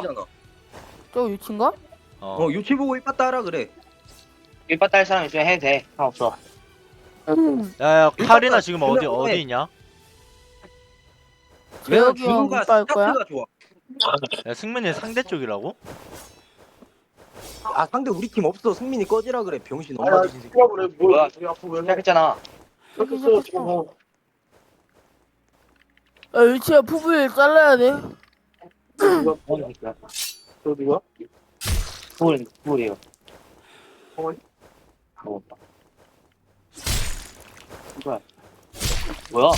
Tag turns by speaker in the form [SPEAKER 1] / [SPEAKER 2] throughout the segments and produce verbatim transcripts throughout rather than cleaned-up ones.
[SPEAKER 1] 유치잖아.
[SPEAKER 2] 저 유치인가?
[SPEAKER 3] 어.
[SPEAKER 1] 어 유치 보고 일빠따 하라 그래.
[SPEAKER 4] 일바따 할 사람 있으면 해도 돼. 상관없어.
[SPEAKER 2] 음.
[SPEAKER 3] 야야 카리나
[SPEAKER 1] 일단
[SPEAKER 3] 지금
[SPEAKER 1] 그냥
[SPEAKER 3] 어디
[SPEAKER 1] 해.
[SPEAKER 3] 어디 있냐?
[SPEAKER 1] 왜냐면
[SPEAKER 2] 재혁이 형
[SPEAKER 1] 준우가
[SPEAKER 2] 이빠 할 거야?
[SPEAKER 1] 스타트가 좋아.
[SPEAKER 3] 야 승민이 상대 쪽이라고?
[SPEAKER 1] 아 상대 우리 팀 없어. 승민이 꺼지라 그래. 병신 엄마 뒤진 새끼.
[SPEAKER 4] 뭐야? 시작했잖아.
[SPEAKER 2] 저기 시작했어. 야 유치야 푸부일 잘라야 돼.
[SPEAKER 4] 뭐 하는 거야? 저 누가? 누굴 누굴이에요? 어. 먹었다. 뭐야? 뭐야?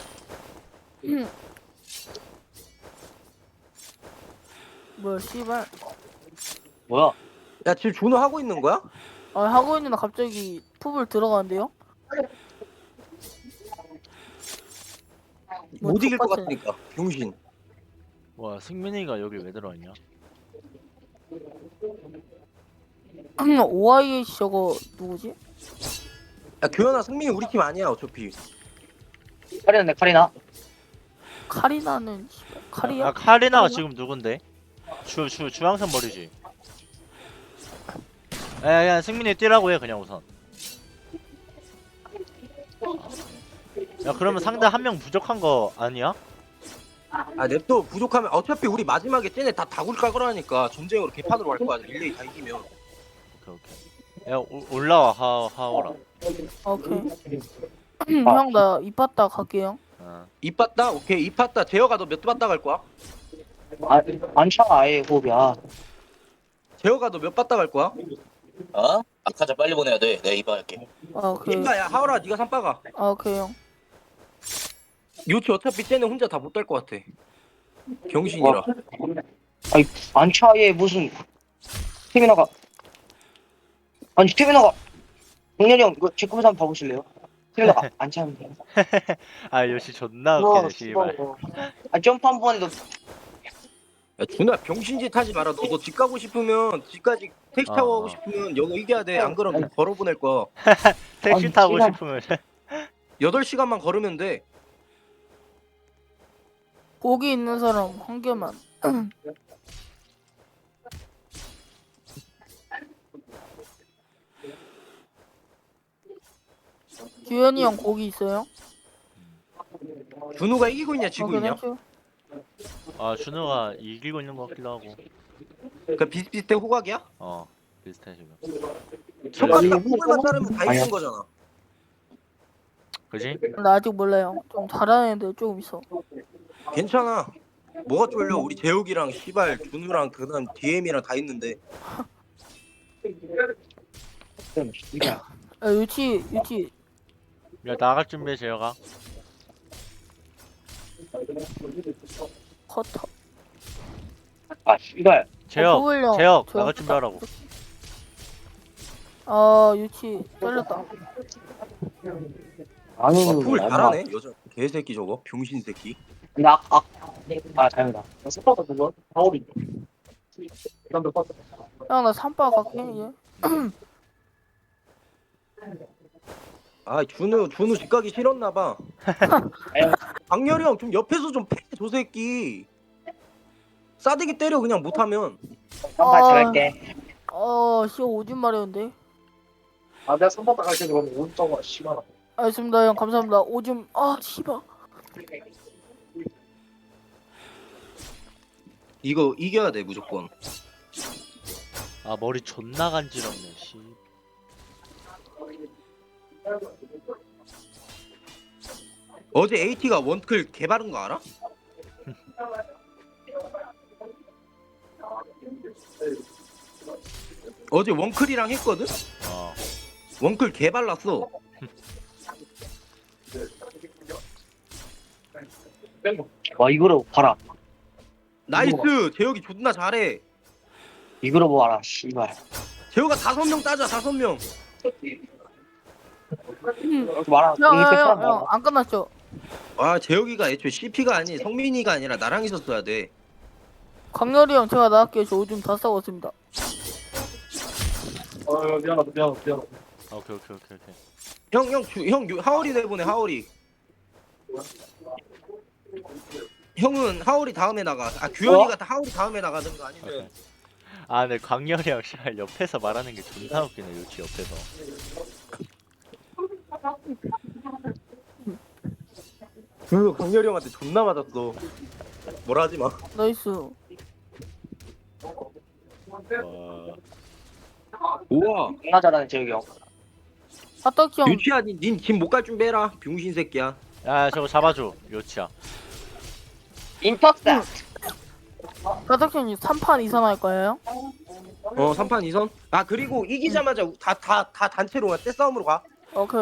[SPEAKER 2] 뭐야 씨발.
[SPEAKER 4] 뭐야?
[SPEAKER 1] 야 지금 준우 하고 있는 거야?
[SPEAKER 2] 아 하고 있는데 갑자기 푸부일 들어가는데요? 뭐
[SPEAKER 1] 못 이길 것
[SPEAKER 2] 족같아.
[SPEAKER 1] 같으니까. 병신.
[SPEAKER 3] 와 승민이가 여기 왜 들어왔냐?
[SPEAKER 2] 오아이에이치 저거 누구지?
[SPEAKER 1] 야 교현아 승민이 우리 팀 아니야 어차피.
[SPEAKER 4] 카리나 내 카리나.
[SPEAKER 2] 카리나는 씨발 카리야?
[SPEAKER 3] 아 카리나가
[SPEAKER 2] 카리나?
[SPEAKER 3] 지금 누군데? 주 주 주황색 머리지. 야야 승민이 뛰라고 해 그냥 우선. 야 그러면 상대 한 명 부족한 거 아니야?
[SPEAKER 1] 아 냅둬 부족하면 어차피 우리 마지막에 쟤네 다 다굴 까 거라니까. 전쟁으로 개판으로 갈 거야. 릴레이 다 이기면.
[SPEAKER 3] 오케이 오케이. 야 오, 올라와 하 하오라.
[SPEAKER 2] 오케이. 형 나 이빠따 갈게요.
[SPEAKER 3] 어.
[SPEAKER 1] 이빠따? 오케이 이빠따. 재혁아 너 몇 빠따 갈 거야?
[SPEAKER 4] 아, 안 차, 아예 호흡이야.
[SPEAKER 1] 재혁아 너 몇 빠따 갈 거야?
[SPEAKER 5] 어? 아카자 빨리 보내야 돼. 내가 이발할게.
[SPEAKER 2] 아 오케이.
[SPEAKER 1] 이빠야 하오라 네가 삼빠가.
[SPEAKER 2] 아 오케이 형.
[SPEAKER 1] 요치 어차피 쟤네 혼자 다 못 달 것 같아. 병신이라.
[SPEAKER 4] 아니, 안 차, 아예 무슨. 태민아가. 아니, 태민아가. 동렬이 형, 이거 제 컴퓨터 한번 봐보실래요? 태민아가 안 차면 돼요.
[SPEAKER 3] 아 역시 존나
[SPEAKER 4] 우와,
[SPEAKER 3] 웃기네 씨발.
[SPEAKER 4] 아, 점프 한 번에도.
[SPEAKER 1] 야 준우야 병신짓 하지 마라. 너, 너 집 가고 싶으면 집까지 택시 타고
[SPEAKER 3] 어,
[SPEAKER 1] 가고
[SPEAKER 3] 어.
[SPEAKER 1] 싶으면 여기 이겨야 돼. 안 그러면 너 걸어 보낼 거야.
[SPEAKER 3] 택시
[SPEAKER 4] 아니,
[SPEAKER 3] 타고
[SPEAKER 4] 씨발.
[SPEAKER 3] 싶으면
[SPEAKER 1] 여덟 시간만 걸으면 돼.
[SPEAKER 2] 고기 있는 사람 한 개만. 주현이 형 고기 있어요?
[SPEAKER 1] 준우가 이기고 있냐 지고
[SPEAKER 2] 오케이,
[SPEAKER 1] 있냐?
[SPEAKER 2] 땡큐.
[SPEAKER 3] 아 준호가 이기고 있는 것 같기도 하고.
[SPEAKER 1] 그 비슷비슷해 호각이야?
[SPEAKER 3] 어 비슷해 지금.
[SPEAKER 1] 손가락 호각만 자르면 다
[SPEAKER 4] 아니야.
[SPEAKER 1] 이긴 거잖아.
[SPEAKER 3] 그지?
[SPEAKER 2] 나 아직 몰라요. 좀 잘하는 애들 조금 있어.
[SPEAKER 1] 괜찮아. 뭐가 쫄려? 우리 재욱이랑 시발 준우랑 그다음 디엠이랑 다 있는데.
[SPEAKER 2] 야 유치 유치
[SPEAKER 3] 야 나갈 준비해 재혁아.
[SPEAKER 2] 커터.
[SPEAKER 4] 아, 이발.
[SPEAKER 3] 재혁
[SPEAKER 2] 푸블령,
[SPEAKER 3] 재혁
[SPEAKER 2] 저-
[SPEAKER 3] 나갈 준비하라고.
[SPEAKER 2] 아 유치 잘렸다.
[SPEAKER 4] 아니,
[SPEAKER 1] 와 풀 잘하네 여자 개새끼 저거 병신 새끼.
[SPEAKER 4] 나, 아, 아, 다행이다. 스파가 그거? 파울이.
[SPEAKER 2] 형 나 삼바 갈게 이제.
[SPEAKER 1] 아 준우 준우 집 가기 싫었나 봐. 강렬이 형 좀 옆에서 좀 패 저 새끼. 싸대기 때려 그냥 못하면.
[SPEAKER 4] 한발
[SPEAKER 2] 아.
[SPEAKER 4] 잘할게.
[SPEAKER 2] 어 씨 오줌 마려운데.
[SPEAKER 6] 아 내가 선바닥 갈게 그러면 오른쪽으로 심하라.
[SPEAKER 2] 알겠습니다 형 감사합니다. 오줌 아 씨발.
[SPEAKER 1] 이거 이겨야 돼 무조건.
[SPEAKER 3] 아 머리 존나 간지럽네 씨.
[SPEAKER 1] 어제 에이티가 원클 개바른 거 알아? 어제 원클이랑 했거든?
[SPEAKER 3] 어.
[SPEAKER 1] 원클 개발랐어.
[SPEAKER 4] 와, 이거로 봐라.
[SPEAKER 1] 나이스. 재혁이 존나 잘해.
[SPEAKER 4] 이거로 봐라, 씨발.
[SPEAKER 1] 재혁아 다섯 명 따자 다섯 명.
[SPEAKER 4] 이렇게 말아.
[SPEAKER 2] 형형형 안 끝났죠?
[SPEAKER 1] 아 재혁이가 애초에 씨피가 아니 성민이가 아니라 나랑 있었어야 돼.
[SPEAKER 2] 강렬이 형 제가 나갈게요. 저 오줌 다 싸웠습니다.
[SPEAKER 6] 어 미안하다 미안하다 미안하다.
[SPEAKER 3] 오케이 오케이 오케이 오케이.
[SPEAKER 1] 형형형 하월이 내보내 하월이. 형은 하울이 다음에 나가. 아 규현이가 하울이 다음에 나가든가 아니면
[SPEAKER 3] 아 근데 광렬이 형 씨발 옆에서 말하는 게 존나 웃기네 요치 옆에서.
[SPEAKER 1] 준우 강렬이 형한테 존나 맞았어. 뭐라 하지 마.
[SPEAKER 2] 나이스.
[SPEAKER 3] 와.
[SPEAKER 1] 우와.
[SPEAKER 4] 존나 잘하는 재욱이 형.
[SPEAKER 2] 사떡이 형
[SPEAKER 1] 유치야, 닌짐 못 갈 준비해라. 병신 새끼야.
[SPEAKER 3] 야 저거 잡아줘 요치야.
[SPEAKER 4] 인터셉.
[SPEAKER 2] 사떡이 형이 삼 판 이상 할 거예요?
[SPEAKER 1] 어, 삼 판 이 선. 아 그리고 이기자마자 다 다 다 단체로 가. 떼싸움으로 가.
[SPEAKER 2] 오케이.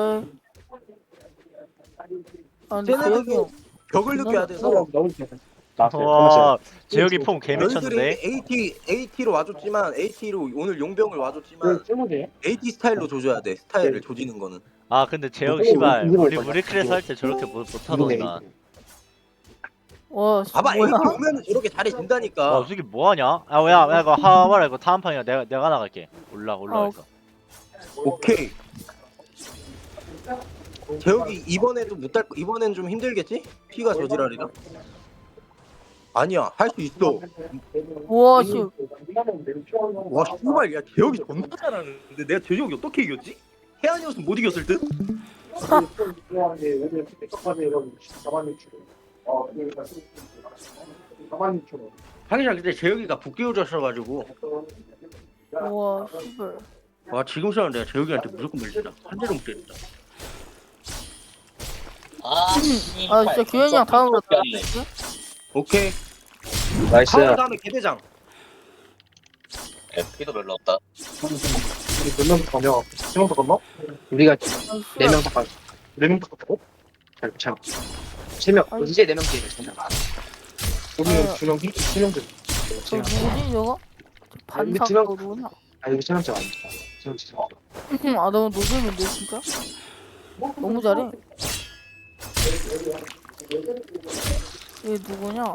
[SPEAKER 2] 아 근데
[SPEAKER 1] 쟤네들도
[SPEAKER 2] 재혁이 형
[SPEAKER 1] 벽을 느껴야 돼서.
[SPEAKER 3] 와 재혁이 폼 개미쳤는데.
[SPEAKER 1] 너희들이 에이티 에이티로 와줬지만 에이티로 오늘 용병을 와줬지만 에이티 스타일로 조져야 돼. 스타일을 조지는 거는.
[SPEAKER 3] 아 근데 재혁 씨발 우리 무리크레스 할 때 저렇게 못 못하더니만.
[SPEAKER 2] 와 씨,
[SPEAKER 1] 봐봐,
[SPEAKER 2] 뭐야?
[SPEAKER 1] 에이티 오면 저렇게 잘해진다니까.
[SPEAKER 3] 와 저기 뭐하냐? 아야 야 이거 하와라 이거 다음 판이야. 내가 내가 나갈게. 올라 올라가
[SPEAKER 2] 어.
[SPEAKER 3] 있어.
[SPEAKER 1] 오케이. 재혁이 이번에도 못 달. 이번엔 좀 힘들겠지? 피가 저지랄이라. 아니야, 할 수 있어.
[SPEAKER 2] 우와 씨.
[SPEAKER 1] 와, 씨발, 야, 재혁이 존나 잘하는데 내가 재혁이 어떻게 이겼지? 혜안이었으면 못 이겼을 듯? 하긴 그때 재혁이가 북기우졌어가지고.
[SPEAKER 2] 우와 씨발.
[SPEAKER 1] 와, 지금 시간 내가 재혁이한테 무조건 밀린다. 한 대로 못 때린다.
[SPEAKER 5] 아,
[SPEAKER 2] 아 진짜 규현이 형 다음으로
[SPEAKER 5] 네
[SPEAKER 1] 오케이.
[SPEAKER 4] 나이스.
[SPEAKER 1] 하울 다음에 개대장.
[SPEAKER 5] 피도 별로 없다.
[SPEAKER 6] 몇명 가냐? 세명 갔나?
[SPEAKER 4] 우리가
[SPEAKER 2] 나이스.
[SPEAKER 4] 네 명 다.
[SPEAKER 6] 네명 갔다고?
[SPEAKER 4] 잘 잘. 세 명.
[SPEAKER 2] 아니.
[SPEAKER 4] 이제 네 명 게임.
[SPEAKER 6] 우리는
[SPEAKER 2] 아.
[SPEAKER 6] 두명 세명 돼.
[SPEAKER 2] 저 누구지 저거?
[SPEAKER 4] 근데
[SPEAKER 2] 반사
[SPEAKER 4] 지금-
[SPEAKER 2] 누구냐?
[SPEAKER 4] 아 여기 세 명째 아닙니다. 세 명째.
[SPEAKER 2] 아 너무 노잼인데 진짜? 너무 잘해. 얘 누구냐?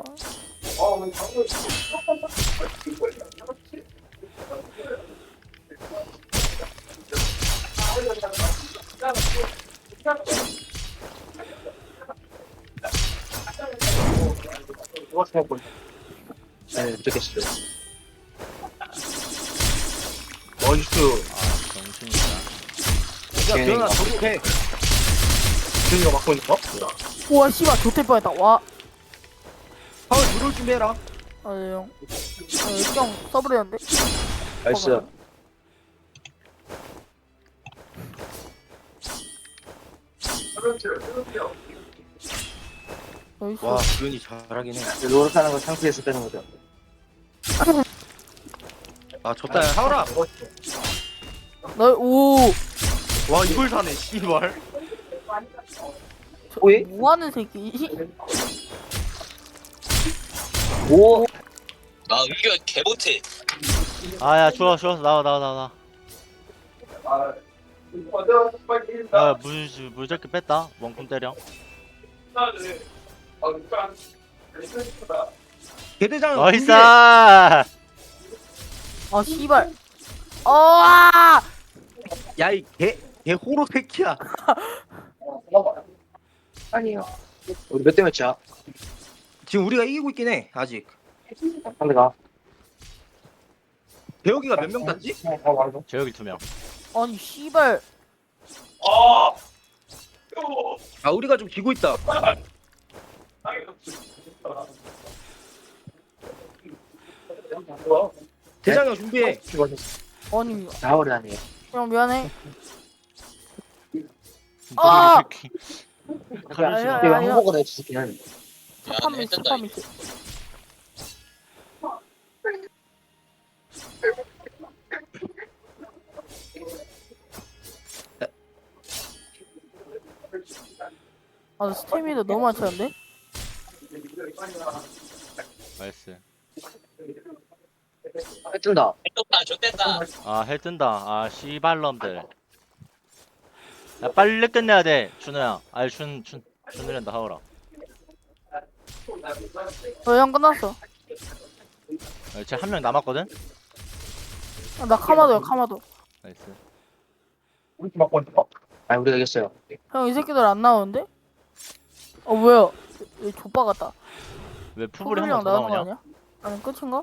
[SPEAKER 6] 누가 생각고
[SPEAKER 4] 네, 좋겠어요.
[SPEAKER 1] 나이스.
[SPEAKER 3] 아 정신이다.
[SPEAKER 1] 야, 기현아, 저도 해.
[SPEAKER 6] 준이가 맡고 있는 거?
[SPEAKER 2] 우와 씨발 좋될 뻔했다. 와.
[SPEAKER 1] 하울 들어올 준비해라.
[SPEAKER 2] 아 네, 형. 아 일정 써버렸는데?
[SPEAKER 4] 나이스.
[SPEAKER 2] 나이스.
[SPEAKER 1] 와, 기현이 잘하긴 해.
[SPEAKER 4] 노력하는 거 상태에서 빼는 거죠.
[SPEAKER 1] 아, 졌다. 야, 하울아.
[SPEAKER 2] 나 오.
[SPEAKER 1] 와, 이걸 사네, 씨발.
[SPEAKER 2] 저,
[SPEAKER 4] 오이?
[SPEAKER 2] 뭐하는 새끼?
[SPEAKER 4] 오.
[SPEAKER 5] 나 은규 개못해.
[SPEAKER 3] 아야 좋아 좋아 나와 나와 나와. 야물 물잡기 뺐다. 원콤 때려.
[SPEAKER 1] 개대장.
[SPEAKER 3] 나이스.
[SPEAKER 1] 준비해.
[SPEAKER 2] 아 씨발. 아.
[SPEAKER 1] 야, 이 개, 개 호로 새끼야.
[SPEAKER 4] 아니요. 우리 몇 대 몇이야?
[SPEAKER 1] 지금 우리가 이기고 있긴 해, 아직.
[SPEAKER 4] 상대가.
[SPEAKER 1] 대혁이가 몇 명 땄지?
[SPEAKER 6] 아 맞아.
[SPEAKER 3] 재혁이 두 명.
[SPEAKER 2] 아니 씨발.
[SPEAKER 1] 아, 우리가 좀 지고 있다. 대장형 준비해.
[SPEAKER 2] 아니
[SPEAKER 4] 나오려 하네요.
[SPEAKER 2] 형 미안해. 아!
[SPEAKER 3] 가르치
[SPEAKER 2] 야,
[SPEAKER 3] 마.
[SPEAKER 2] 야,
[SPEAKER 4] 내가
[SPEAKER 2] 야.
[SPEAKER 4] 한국어로 해주긴 하는데.
[SPEAKER 2] 스파
[SPEAKER 5] 야,
[SPEAKER 2] 미스
[SPEAKER 5] 뜬다,
[SPEAKER 2] 스파
[SPEAKER 5] 이제.
[SPEAKER 2] 미스. 아 스태미나 너무 많지 않은데?
[SPEAKER 3] 나이스.
[SPEAKER 4] 뜬다.
[SPEAKER 5] 떴다, 좋댔다.
[SPEAKER 3] 아해 뜬다. 아 씨발놈들. 야 빨리 끝내야 돼 준호야. 아니 준준 준우랜다 하오라.
[SPEAKER 2] 저형 끝났어.
[SPEAKER 3] 쟤한 명 남았거든.
[SPEAKER 2] 아, 나 카마도야 카마도.
[SPEAKER 3] 나이스.
[SPEAKER 6] 우리 팀 맡고 있는 거?
[SPEAKER 4] 아 우리가 이겼어요.
[SPEAKER 2] 형 이 새끼들 안 나오는데? 어 뭐야? 얘 족바 같다.
[SPEAKER 3] 왜 푸불이 한
[SPEAKER 2] 푸불이랑
[SPEAKER 3] 번 더
[SPEAKER 2] 나오는 거
[SPEAKER 3] 나오냐?
[SPEAKER 2] 아니야? 아니 끝인가?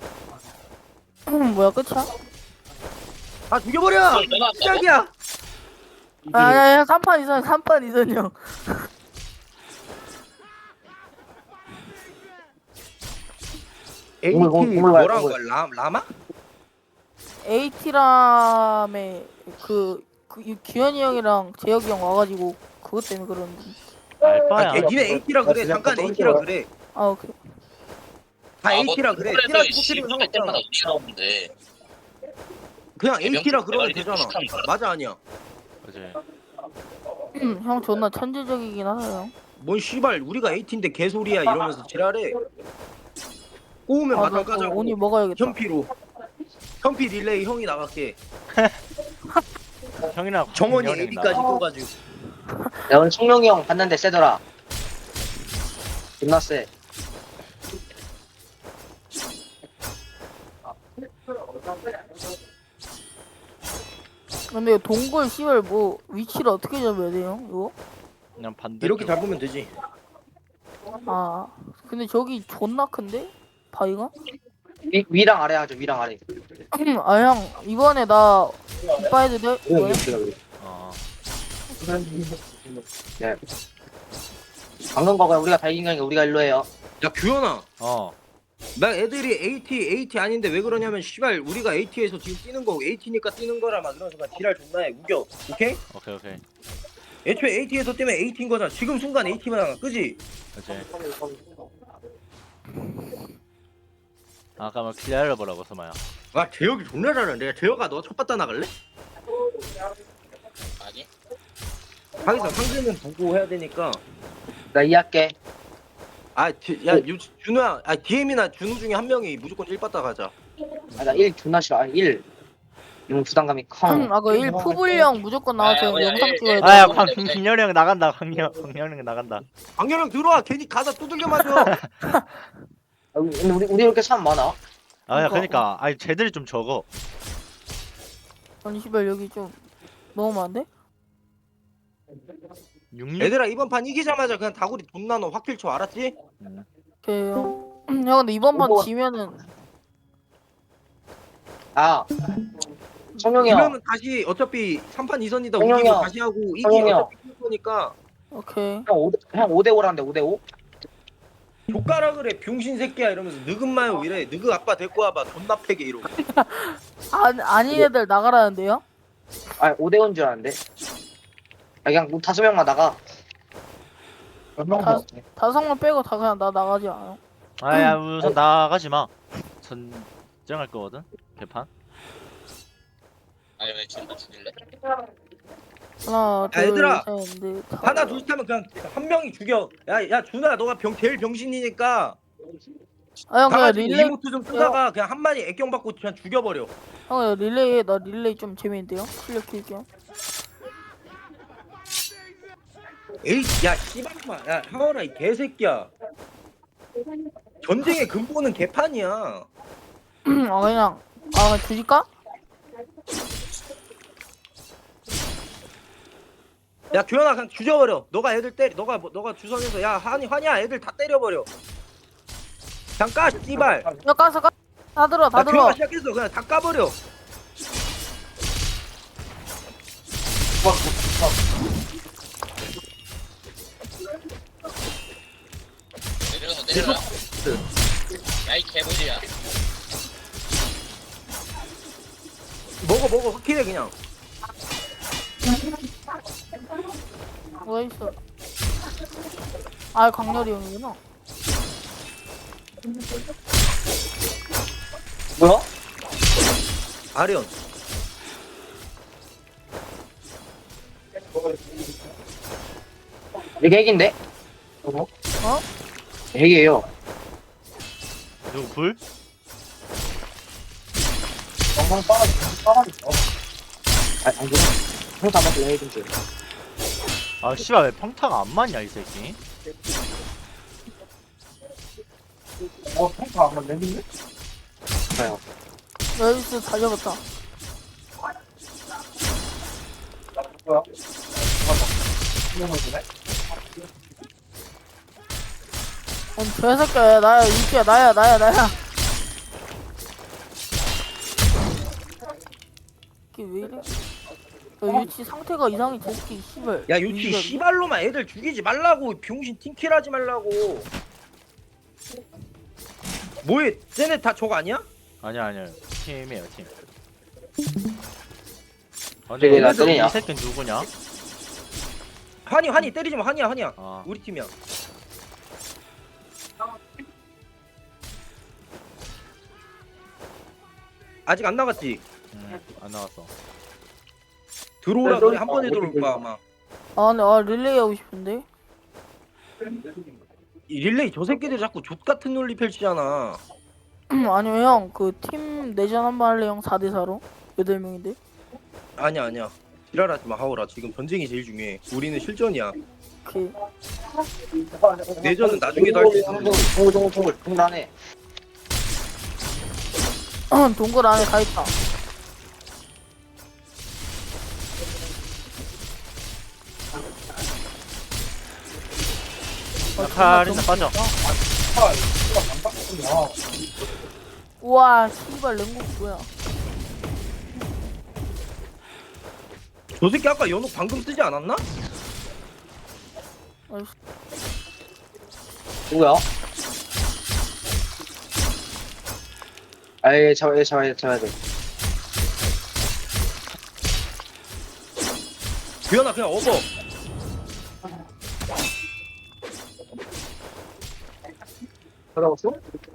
[SPEAKER 2] 뭐야 끝이야?
[SPEAKER 1] 아 죽여버려. 시작이야.
[SPEAKER 2] 아야야 삼판 이선 삼판 이선형.
[SPEAKER 1] 에이티
[SPEAKER 4] 오물, 오물, 오물 가요,
[SPEAKER 1] 뭐라는
[SPEAKER 4] 오물.
[SPEAKER 1] 거야? 라 라마?
[SPEAKER 2] 에이티람에 그, 그 이- 기현이 형이랑 재혁이 형 와가지고 그것 때문에 그러는데.
[SPEAKER 3] 알바야.
[SPEAKER 1] 아, 걔 니네 에이티라 그래.
[SPEAKER 6] 그냥
[SPEAKER 1] 잠깐
[SPEAKER 6] 또
[SPEAKER 1] 에이티라
[SPEAKER 6] 던져요.
[SPEAKER 1] 그래.
[SPEAKER 2] 아 오케이.
[SPEAKER 1] 다
[SPEAKER 5] 아, 뭐
[SPEAKER 1] 에이티라 그래.
[SPEAKER 5] 그래도
[SPEAKER 1] 티라
[SPEAKER 5] 씨,
[SPEAKER 1] 터뜨리면
[SPEAKER 5] 할 때마다
[SPEAKER 1] 상관없잖아.
[SPEAKER 5] 우리 나오는데
[SPEAKER 1] 그냥 에이티라
[SPEAKER 5] 명품
[SPEAKER 1] 그러면
[SPEAKER 5] 대가리
[SPEAKER 1] 되잖아.
[SPEAKER 5] 비슷한 거야.
[SPEAKER 1] 맞아 아니야?
[SPEAKER 3] 그지.
[SPEAKER 2] 음, 형 존나 천재적이긴 하네요.
[SPEAKER 1] 뭔 씨발 우리가 에이티인데 개소리야 이러면서 지랄해. 꼬우면
[SPEAKER 2] 아,
[SPEAKER 1] 마당
[SPEAKER 2] 나 그거
[SPEAKER 1] 까자고.
[SPEAKER 2] 오니 먹어야겠다.
[SPEAKER 1] 현피로. 현피 릴레이 형이 나갈게.
[SPEAKER 3] 형이랑
[SPEAKER 1] 정원이
[SPEAKER 3] 형이랑
[SPEAKER 1] 에이디까지
[SPEAKER 3] 나.
[SPEAKER 1] 껴가지고.
[SPEAKER 4] 야 오늘 청룡이 형 봤는데 세더라. 존나 세.
[SPEAKER 2] 근데 이거 동굴 씨발 뭐 위치를 어떻게 잡아야 돼요? 이거?
[SPEAKER 3] 그냥 반대.
[SPEAKER 1] 이렇게 잡으면 되지.
[SPEAKER 2] 아 근데 저기 존나 큰데? 바위가?
[SPEAKER 4] 위, 위랑 아래 하죠. 위랑 아래.
[SPEAKER 2] 아 형 이번에 나 오빠 해도 돼? 이번에?
[SPEAKER 3] 어.
[SPEAKER 4] 네. 방금 거가 우리가 다 이긴 거니까 우리가 일로 해요.
[SPEAKER 1] 야 규현아.
[SPEAKER 3] 어.
[SPEAKER 1] 나 애들이 에이티 에이티 아닌데 왜 그러냐면 씨발 우리가 에이티에서 지금 뛰는 거 에이티니까 뛰는 거라 막 이러면서 막 지랄 존나 해. 우겨. 오케이?
[SPEAKER 3] 오케이 오케이.
[SPEAKER 1] 애초에 에이티에서 뛰면 에이티인 거잖아. 지금 순간 에이티만 하나. 그지?
[SPEAKER 3] 그지. 아까 막 기다려보라고 서마야.
[SPEAKER 1] 아 재혁이 존나 잘하는데. 재혁아 너 첫 바다 나갈래?
[SPEAKER 5] 아니
[SPEAKER 1] 자기서 상대는 보고 해야 되니까.
[SPEAKER 4] 나 이해할게.
[SPEAKER 1] 아, 지- 야, 유, 준우야, 아, 디엠이나 준우 중에 한 명이 무조건 일 바다 가자.
[SPEAKER 4] 아, 나 일 존나 싫어. 아, 일. 이런 부담감이 커.
[SPEAKER 2] 음, 아그 일 푸불형 무조건 나와서
[SPEAKER 5] 아, 뭐야,
[SPEAKER 2] 영상
[SPEAKER 5] 일,
[SPEAKER 2] 찍어야
[SPEAKER 5] 일.
[SPEAKER 2] 돼.
[SPEAKER 3] 아야
[SPEAKER 5] 네,
[SPEAKER 3] 광
[SPEAKER 5] 네, 네.
[SPEAKER 3] 광렬이 형 나간다. 광렬 광렬이 형 나간다.
[SPEAKER 1] 강렬형 들어와, 괜히 가다 두들겨 맞아.
[SPEAKER 4] 아, 근데 우리 우리 이렇게 사람 많아.
[SPEAKER 3] 아야
[SPEAKER 2] 그러니까.
[SPEAKER 3] 그러니까 아니 쟤들이 좀 적어.
[SPEAKER 2] 아니 씨발 여기 좀 너무 많은데?
[SPEAKER 3] 육육.
[SPEAKER 1] 얘들아, 이번 판 이기자마자 그냥 다구리 돈 나눠 확킬 쳐, 알았지?
[SPEAKER 2] 오케이 형. 형 근데 이번 판
[SPEAKER 4] 오버.
[SPEAKER 2] 지면은
[SPEAKER 4] 아. 청룡이 형.
[SPEAKER 1] 그러면 다시 어차피 삼 판 이 선이다
[SPEAKER 4] 형형
[SPEAKER 1] 우기고
[SPEAKER 4] 형.
[SPEAKER 1] 다시 하고 이기
[SPEAKER 4] 형형 형.
[SPEAKER 1] 어차피 이길 거니까
[SPEAKER 2] 오케이.
[SPEAKER 4] 형 오, 형 오 대 오라는데 오 대 오?
[SPEAKER 1] 족가라 그래 병신 새끼야 이러면서 느금 마요 이래 느그 아빠 데리고 와봐 존나 패게 이러고
[SPEAKER 2] 아, 아닌 애들 나가라는데요?
[SPEAKER 4] 아, 오 대 오인 줄 알았는데. 아, 그냥 뭐 다섯 명만 나가.
[SPEAKER 2] 다, 다섯 명 빼고 다 그냥 나 나가지 않아요?
[SPEAKER 3] 아야 우선 나가지 마. 전쟁할 거거든. 개판.
[SPEAKER 5] 아니 왜 지금 죽일래?
[SPEAKER 2] 하나
[SPEAKER 1] 야, 얘들아.
[SPEAKER 2] 둘셋넷 다섯.
[SPEAKER 1] 하나 둘 하면 그냥 한 명이 죽여 야야 준아 너가 병 제일 병신이니까
[SPEAKER 2] 아 형 그냥
[SPEAKER 1] 가가지고
[SPEAKER 2] 릴레이
[SPEAKER 1] 이모트 좀 쓰다가 그냥 한 마리 애경 받고 그냥 죽여버려
[SPEAKER 2] 형 그냥 릴레이 해. 나 릴레이 좀 재밌는데요? 실력 킬게요.
[SPEAKER 1] 에이 야 씨발마 야 하원아 이 개새끼야 전쟁의 근본은 개판이야
[SPEAKER 2] 아 그냥 아 그냥 주실까?
[SPEAKER 1] 야 규현아 그냥 죽여버려 너가 애들 때리 너가 뭐- 너가 주선해서 야 한이 환이야 애들 다 때려버려 그냥 까 씨발
[SPEAKER 2] 야 까서 까. 다 들어 다
[SPEAKER 1] 야
[SPEAKER 2] 들어.
[SPEAKER 1] 규현아 시작했어 그냥 다 까버려
[SPEAKER 5] 내려가 내려라 야이 개구리야
[SPEAKER 1] 먹어 먹어 확실해 그냥
[SPEAKER 2] 뭐가 있어? 아 강렬이 형이구나.
[SPEAKER 4] 뭐야?
[SPEAKER 1] 아련
[SPEAKER 4] 이게 핵인데?
[SPEAKER 2] 어?
[SPEAKER 4] 핵이에요.
[SPEAKER 3] 누구 불?
[SPEAKER 4] 영상 빠가지, 빠가지. 아, 안 돼. 형사 한번 더 핵인 줄.
[SPEAKER 3] 아 씨발 왜 평타가 안 맞냐 이 새끼.
[SPEAKER 6] 어, 평타 한번 내는데?
[SPEAKER 4] 좋아요.
[SPEAKER 2] 나이스 잘 잡았다.
[SPEAKER 6] 뭐야? 잠깐만. 한명만 주네?
[SPEAKER 2] 아니 개새끼야 나야 유치야 나야 나야 나야. 이게 왜 이래? 야, 유치 상태가 이상해 저 새끼 씨발.
[SPEAKER 1] 야 요치
[SPEAKER 2] 유치가-
[SPEAKER 1] 씨발로만 애들 죽이지 말라고. 병신 팀킬하지 말라고. 뭐해? 쟤네 다 저거 아니야?
[SPEAKER 3] 아니야 아니야 팀이에요 팀. 아니
[SPEAKER 4] 저기 나
[SPEAKER 3] 얘네들
[SPEAKER 4] 때리냐?
[SPEAKER 3] 이 새끼 누구냐?
[SPEAKER 1] 한이 한이 때리지 마. 한이야 한이야.
[SPEAKER 3] 아
[SPEAKER 1] 우리 팀이야. 아직 안 나갔지?
[SPEAKER 3] 음, 안 나왔어.
[SPEAKER 1] 들어오라
[SPEAKER 6] 네,
[SPEAKER 1] 그래. 한
[SPEAKER 6] 어,
[SPEAKER 1] 번에
[SPEAKER 6] 어디
[SPEAKER 1] 들어올 거야 아마.
[SPEAKER 2] 아 근데 아 릴레이 하고 싶은데.
[SPEAKER 1] 이 릴레이 저 새끼들 자꾸 족 같은 논리 펼치잖아.
[SPEAKER 2] 아니면 형 그 팀 내전 한번 할래 형 사 대 사로 여덟 명인데.
[SPEAKER 1] 아니야 아니야. 지랄하지 마 하오라. 지금 전쟁이 제일 중요해. 우리는 실전이야.
[SPEAKER 2] 오케이.
[SPEAKER 1] 내전은 나중에도 할 수 있어.
[SPEAKER 4] 동글 동글 동글 동글 안에.
[SPEAKER 2] 동굴 안에 가 있다. 어,
[SPEAKER 3] 카린나 빠져.
[SPEAKER 2] 우와 씨발 랭국 뭐야?
[SPEAKER 1] 저 새끼 아까 연옥 방금 쓰지 않았나?
[SPEAKER 2] 아이씨.
[SPEAKER 4] 누구야? 아예 잡아야 돼 잡아야 돼 잡아야 돼.
[SPEAKER 1] 규현아 그냥 업어.
[SPEAKER 6] 들어갔어?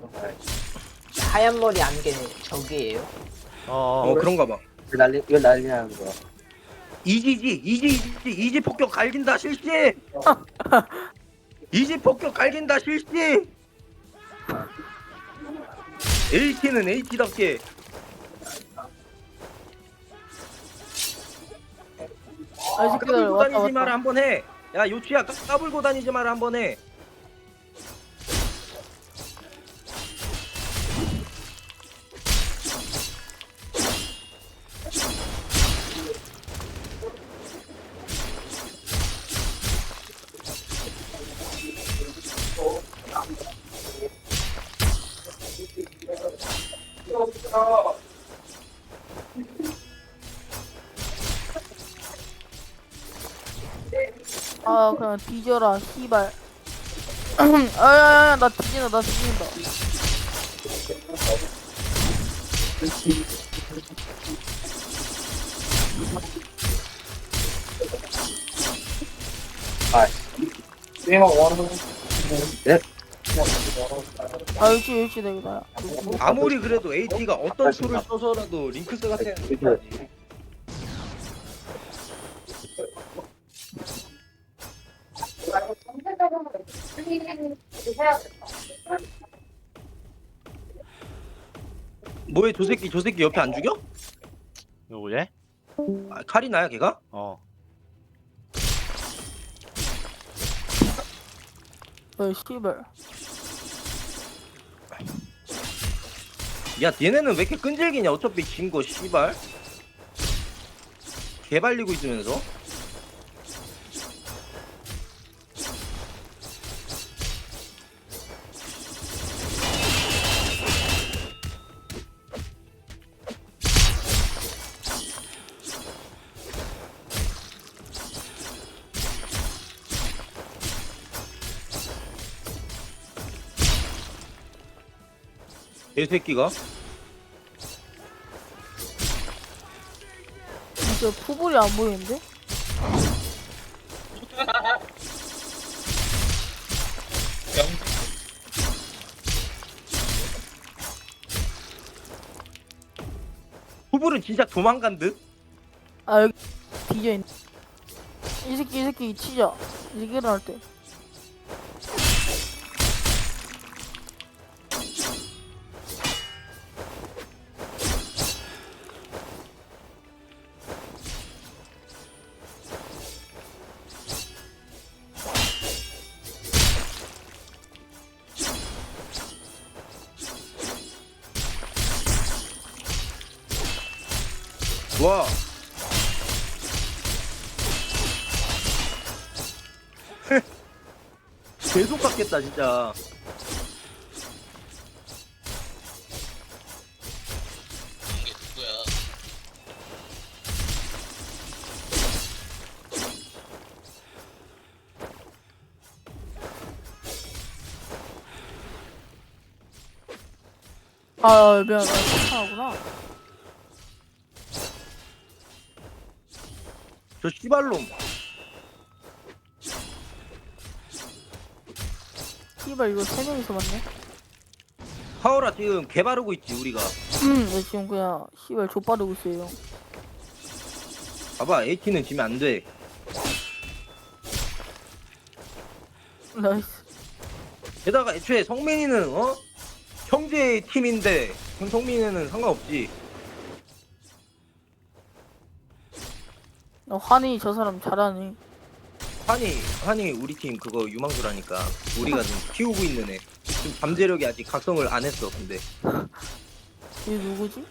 [SPEAKER 7] 하얀 머리 안개 저기예요?
[SPEAKER 3] 어,
[SPEAKER 1] 어
[SPEAKER 3] 어.
[SPEAKER 1] 그런가 봐.
[SPEAKER 4] 왜 난리 왜 난리냐는 거야.
[SPEAKER 1] 이지지 이지 이지 이지 폭격 갈긴다 실시. 이지 폭격 갈긴다 실시. 에이티는 에이티답게.
[SPEAKER 2] 아, 이 새끼들
[SPEAKER 1] 까불고
[SPEAKER 2] 왔다
[SPEAKER 1] 다니지 마라
[SPEAKER 2] 왔다.
[SPEAKER 1] 한번 해. 야 요치야 까- 까불고 다니지 마라 한번 해.
[SPEAKER 2] 아 그냥 뒤져라 씨발. 아야야야 나 뒤진다 나 뒤진다.
[SPEAKER 6] 게임하고 와는
[SPEAKER 2] 아 유치 유치 내가 나야.
[SPEAKER 1] 아무리 그래도 에이티가 어떤 수를 써서라도 링크스 같은 애는 못하지. 뭐해 저 새끼 저 새끼 옆에 안 죽여?
[SPEAKER 3] 누구지?
[SPEAKER 1] 아, 카리나야 걔가?
[SPEAKER 3] 어.
[SPEAKER 2] 어 씨발.
[SPEAKER 1] 야 얘네는 왜 이렇게 끈질기냐 어차피 진거 씨발 개발리고 있으면서. 개새끼가
[SPEAKER 2] 진짜 푸볼이 안 보이는데?
[SPEAKER 5] 병
[SPEAKER 1] 후불은 진짜 도망간 듯?
[SPEAKER 2] 아 여기 뒤져 있네. 이 새끼 이 새끼 치자. 이 새끼 일어날 때.
[SPEAKER 1] 와 계속 깎겠다 진짜.
[SPEAKER 2] 아 미안 나 괜찮아구나.
[SPEAKER 1] 저 씨발놈.
[SPEAKER 2] 씨발 이거 세 명이서 맞네.
[SPEAKER 1] 하오라 지금 개 바르고 있지 우리가.
[SPEAKER 2] 음, 나 지금 그냥 씨발 좆바르고 있어요.
[SPEAKER 1] 봐봐 에이티는 지면 안 돼.
[SPEAKER 2] 나이스.
[SPEAKER 1] 게다가 애초에 성민이는 어 형제 팀인데 성민이는 상관없지.
[SPEAKER 2] 나 환희 저 사람 잘하네.
[SPEAKER 1] 한이 한이 우리 팀 그거 유망주라니까. 우리가 지금 키우고 있는 애. 지금 잠재력이 아직 각성을 안 했어. 근데
[SPEAKER 2] 얘 누구지?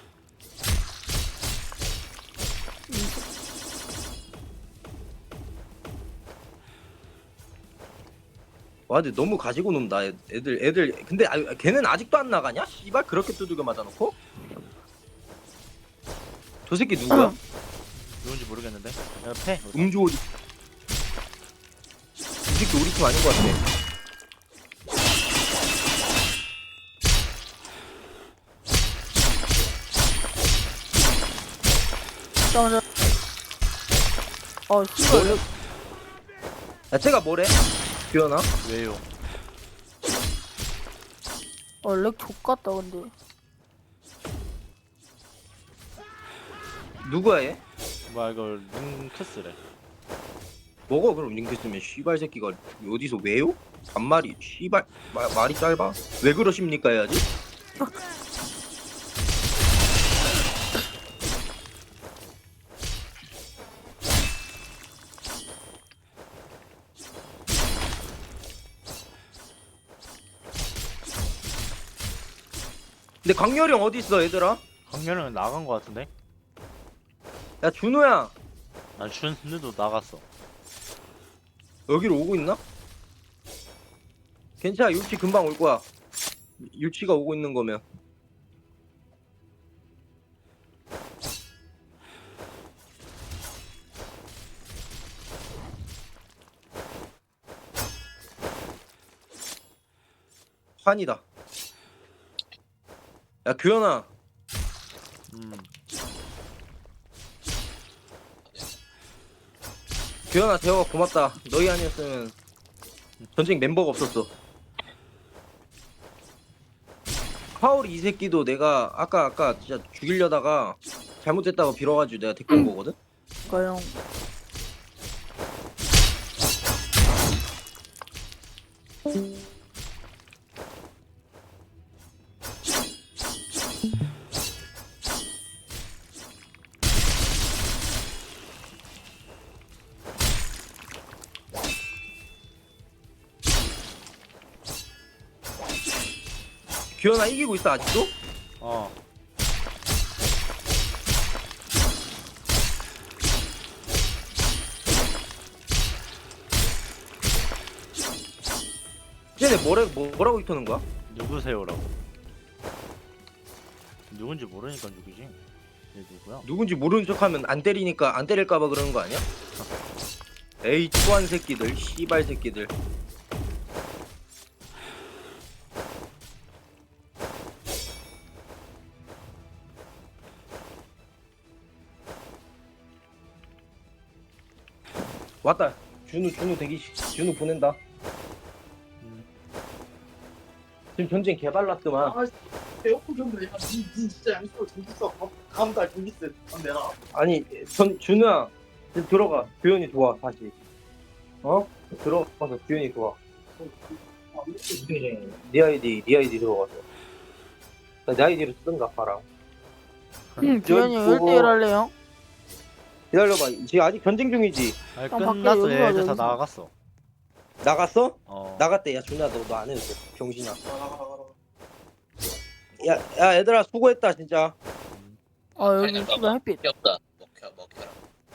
[SPEAKER 1] 와 근데 너무 가지고 논다 애- 애들 애들. 근데 아, 걔는 아직도 안 나가냐? 씨발 그렇게 두들겨 맞아놓고? 저 새끼 누구야?
[SPEAKER 3] 누군지 모르겠는데. 야, 패.
[SPEAKER 1] 음주 어디? 이 새끼 우리 팀 아닌 것 같아.
[SPEAKER 2] 잠깐만. 어 씨발.
[SPEAKER 1] 뭐래? 야 쟤가 뭐래? 규현아?
[SPEAKER 3] 왜요?
[SPEAKER 2] 어렉 족같다 근데.
[SPEAKER 1] 누구야 얘?
[SPEAKER 3] 뭐야 이걸 링크스래.
[SPEAKER 1] 먹어 그럼 링크 쓰면 씨발 새끼가 어디서 왜요? 반말이 씨발 마, 말이 짧아? 왜 그러십니까 해야지? 근데 강렬이 형 어디 있어 얘들아?
[SPEAKER 3] 강렬은 나간 거 같은데?
[SPEAKER 1] 야 준호야
[SPEAKER 3] 난 준우도 나갔어.
[SPEAKER 1] 여기로 오고 있나? 괜찮아 율치 금방 올 거야. 율치가 오고 있는 거면. 환이다. 야 규현아
[SPEAKER 3] 음.
[SPEAKER 1] 규현아 대화가 고맙다. 너희 아니었으면 전쟁 멤버가 없었어. 하울이 이 새끼도 내가 아까 아까 진짜 죽이려다가 잘못됐다고 빌어가지고 내가 데리고 온 거거든?
[SPEAKER 2] 그니까 형.
[SPEAKER 1] 규현아 이기고 있어 아직도?
[SPEAKER 3] 어.
[SPEAKER 1] 쟤네 뭐라, 뭐, 뭐라고 이터는 거야?
[SPEAKER 3] 누구세요라고. 누군지 모르니까 죽이지. 얘 누구야?
[SPEAKER 1] 누군지 모르는 척하면 안 때리니까 안 때릴까봐 그러는 거 아니야? 에이 초한 새끼들 씨발 새끼들. 왔다. 준우 준우 대기 준우 보낸다.
[SPEAKER 3] 음.
[SPEAKER 1] 지금 전쟁 개발났더만.
[SPEAKER 6] 아, 에어컨 좀 내가 니, 니 진짜 양식으로 전기 써. 다음 달 전기 세. 안 내라.
[SPEAKER 1] 아니 전 준우야 지금 들어가. 규현이 좋아 다시. 어? 들어가서 규현이 좋아. 네 아이디 네 아이디 들어가서. 내 아이디로 쓰든가 봐라.
[SPEAKER 2] 응, 규현이 형 일 대일 할래요?
[SPEAKER 1] 기다려봐. 지금 아직 전쟁 중이지.
[SPEAKER 3] 아니
[SPEAKER 2] 형, 밖에
[SPEAKER 3] 끝났어.
[SPEAKER 2] 여기가
[SPEAKER 3] 얘들 다
[SPEAKER 2] 여기서.
[SPEAKER 3] 나갔어.
[SPEAKER 1] 나갔어?
[SPEAKER 3] 어.
[SPEAKER 1] 나갔대. 야 준우야 너 너 안 해도 돼. 병신아.
[SPEAKER 6] 나가 나가 나가.
[SPEAKER 1] 야, 야 얘들아 수고했다 진짜.
[SPEAKER 2] 아 여기 씨발 햇빛.
[SPEAKER 5] 귀엽다. 먹혀 먹혀라.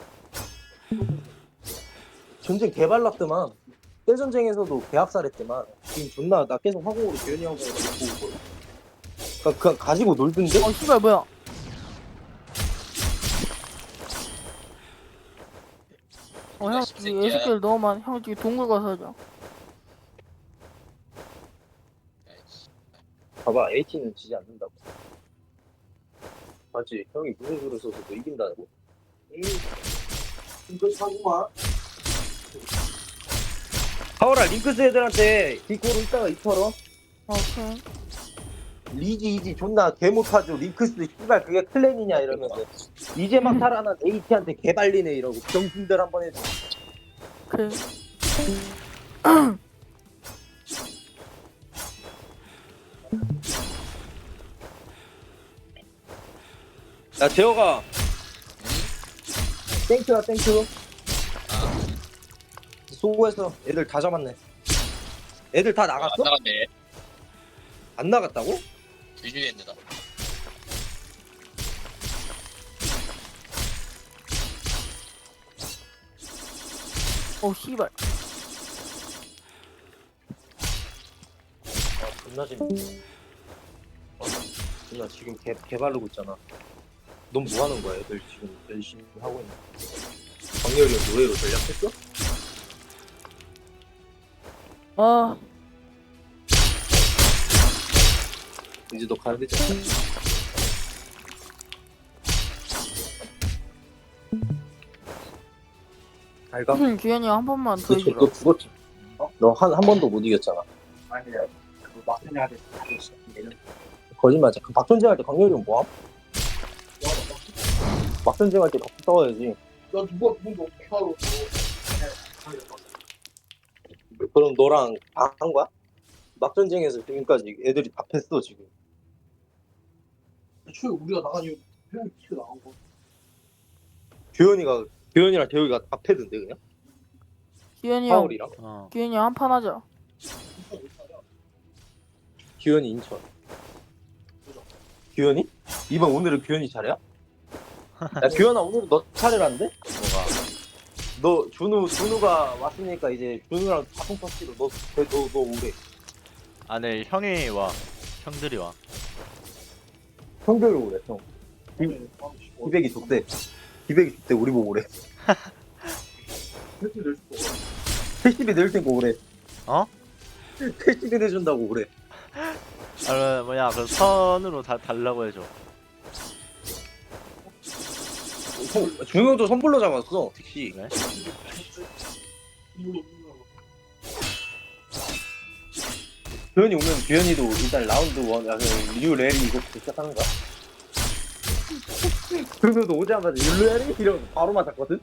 [SPEAKER 1] 전쟁 개발났더만. 떼전쟁에서도 개학살했더만. 지금 존나 나 계속 화공으로 규현이 하고 있고 있거든. 그니까 그냥 가지고 놀던데?
[SPEAKER 2] 어 씨발 뭐야? 어형
[SPEAKER 5] 새끼야.
[SPEAKER 2] 애새끼들 너무 많아. 형 저기 동굴 가서 하자.
[SPEAKER 1] 봐봐 H는 지지 않는다고. 맞지? 형이 무슨 수를 써서 너 이긴다고?
[SPEAKER 6] 응. 이거 사구만.
[SPEAKER 1] 하오라 링크스 애들한테 디코로 이따가 이털어.
[SPEAKER 2] 오케이.
[SPEAKER 1] 리지 이지 존나 개 못하죠. 링크스 씨발 그게 클랜이냐 이러면서 이제 막 살아난 에이티한테 개발리네 이러고 병신들 한번 해줘.
[SPEAKER 2] 그래.
[SPEAKER 1] 야 재호가 땡큐야 땡큐. 수고했어. 애들 다 잡았네. 애들 다
[SPEAKER 5] 안
[SPEAKER 1] 나갔어?
[SPEAKER 5] 나갔네.
[SPEAKER 1] 안 나갔다고?
[SPEAKER 5] 뒤지겠네 나.
[SPEAKER 2] 오 씨발.
[SPEAKER 1] 아 존나 재밌네. 어, 존나 지금 개, 개 바르고 있잖아. 넌 뭐 하는 거야? 애들 지금 열심히 하고 있는. 광렬이 형 노예로 전략했어?
[SPEAKER 2] 아
[SPEAKER 1] 이제 너 가야 되지 않아? 잘가?
[SPEAKER 2] 규현이 한 번만 더
[SPEAKER 1] 너,
[SPEAKER 2] 해주라.
[SPEAKER 1] 너 죽었지? 어? 너 한 한 번도 못 이겼잖아.
[SPEAKER 6] 아니야. 그 마트냐한테 다줬어. 내년.
[SPEAKER 1] 거짓말이야. 그 박전쟁 할 때 광렬이 형 뭐함? 막전쟁 할 때 막 싸워야지.
[SPEAKER 6] 나 누가 누군지 어떻게 알아?
[SPEAKER 1] 그럼 너랑 다 한 거야? 막전쟁에서 지금까지 애들이 다 팼어 지금.
[SPEAKER 6] 애초에 우리가 나간 이유 형이 키가 나온 거.
[SPEAKER 1] 규현이가 규현이랑 대우이가 다 패던데 그냥?
[SPEAKER 2] 규현이 형.
[SPEAKER 1] 하울이랑
[SPEAKER 3] 어.
[SPEAKER 2] 규현이 형 한 판 하자.
[SPEAKER 1] 규현이 인천. 규현이? 이번 오늘은 규현이 차례야? 야 규현아 오늘 너 차례란데?
[SPEAKER 3] 뭐가?
[SPEAKER 1] 너 준우 준우가 왔으니까 이제 준우랑 자동 터치로 너너너 너 오래.
[SPEAKER 3] 아, 네, 형이 와. 형들이 와.
[SPEAKER 1] 형들이 오래 형. 기백이 족대. 기백이 족대 우리 보고 오래.
[SPEAKER 6] 패스 낼 수도 없어.
[SPEAKER 1] 패시비 낼 테니까 오래.
[SPEAKER 3] 어?
[SPEAKER 1] 패시비 내준다고 오래.
[SPEAKER 3] 아, 뭐냐, 그 선으로 다 달라고 해줘.
[SPEAKER 1] 선- 준우도 선불로 잡았어 택시.
[SPEAKER 3] 그래?
[SPEAKER 6] 이거 이거.
[SPEAKER 1] 규현이 오면 규현이도 일단 라운드 원, 아, 류 레리 이거부터 시작하는 거야. 준우도 오자마자 류 레리 이러면서 바로 맞았거든.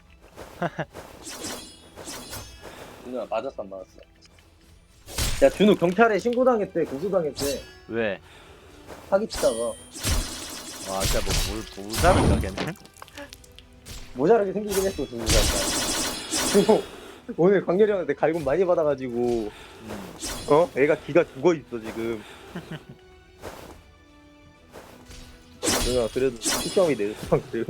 [SPEAKER 1] 준우야 맞았어 안 맞았어? 야 준우 경찰에 신고당했대 고소당했대
[SPEAKER 3] 왜?
[SPEAKER 1] 사기치다가
[SPEAKER 3] 와, 진짜 뭐, 뭘, 모자른가, 걔는?
[SPEAKER 1] 모자라게 생기긴 했어 준우가. 준우 오늘 강렬이 형한테 갈굼 많이 받아가지고
[SPEAKER 3] 음.
[SPEAKER 1] 어? 애가 기가 죽어있어 지금. 누나 그래도 시점이 내 수상 그래요?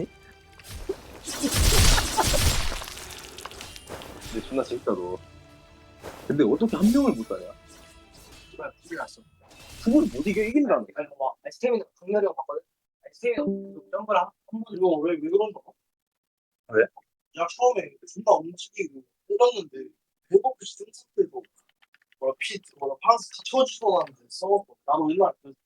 [SPEAKER 1] 근데 존나 재밌다 너. 근데 어떻게 한 명을 못 따냐?
[SPEAKER 6] 씨발 불이 났어.
[SPEAKER 1] 그걸 못 이겨 이긴다며.
[SPEAKER 6] 아니 봐봐. 스테미나 강렬이 형 봤거든. 스테미나 점프를 한번 이거 왜왜 그런 거?
[SPEAKER 1] 왜?
[SPEAKER 6] 야 처음에 존나 움직이고 때렸는데 배고프시 뜬 상태에서 뭐라 피 뭐라 파란색 다 쳐주고 나는데 써먹고 나도 옛날에 그랬어.